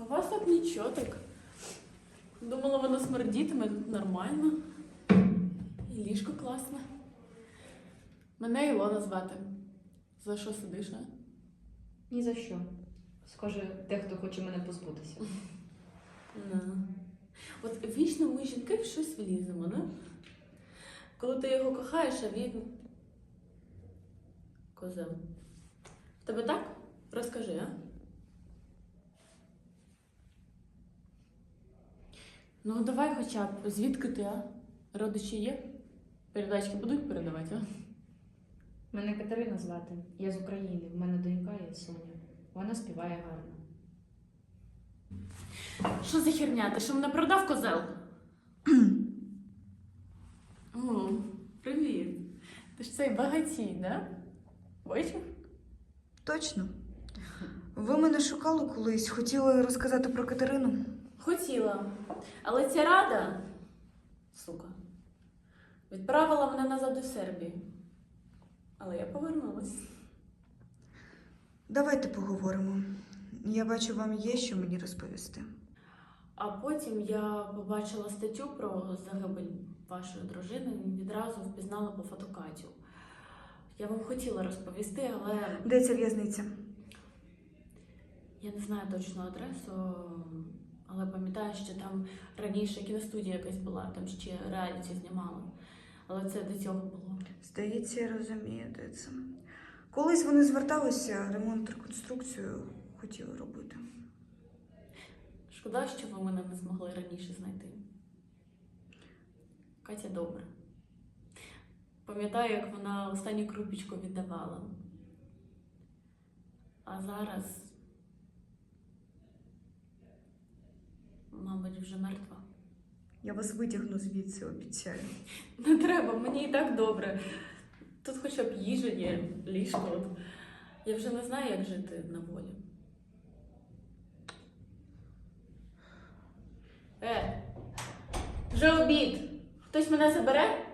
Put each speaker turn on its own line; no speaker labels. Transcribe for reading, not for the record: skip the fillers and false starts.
у вас так нічого так. Думала, воно смердітиме, тут нормально. І ліжко класне. Мене Ілона звати. За що сидиш, а?
Ні за що. Схоже, дехто хоче мене позбутися.
Ну. От вічно ми жінки в щось вліземо, да? Коли ти його кохаєш, а він козел. В тебе так? Розкажи, а? Ну, давай хоча б, звідки ти, а? Родичі є? Передачки будуть передавати, а?
Мене Катерина звати. Я з України. В мене донька є Соня. Вона співає гарно.
Що за херня? Ти що мене продав, козел? О, привіт. Ти ж цей багатій, да? Бачив?
Точно. Ви мене шукали колись, хотіли розказати про Катерину.
Хотіла. Але ця рада, сука, відправила мене назад до Сербії. Але я повернулась.
Давайте поговоримо. Я бачу, вам є що мені розповісти.
А потім я побачила статтю про загибель вашої дружини і відразу впізнала по фото Катю. Я вам хотіла розповісти, але
Де ця в'язниця?
я не знаю точну адресу, але пам'ятаю, що там раніше кіностудія якась була, там ще реаліті знімали. Але це до цього було.
Здається, я розумію, де це. Колись вони зверталися, ремонт, реконструкцію хотіли робити.
Шкода, що ви мене не змогли раніше знайти. Катя добра. Пам'ятаю, як вона останню крупічку віддавала. А зараз, мабуть, вже мертва.
Я вас витягну звідси, обіцяю.
Не треба, мені і так добре. Тут хоча б їжа є, ліжко. От. Я вже не знаю, як жити на волі. Вже обід. Хтось мене забере?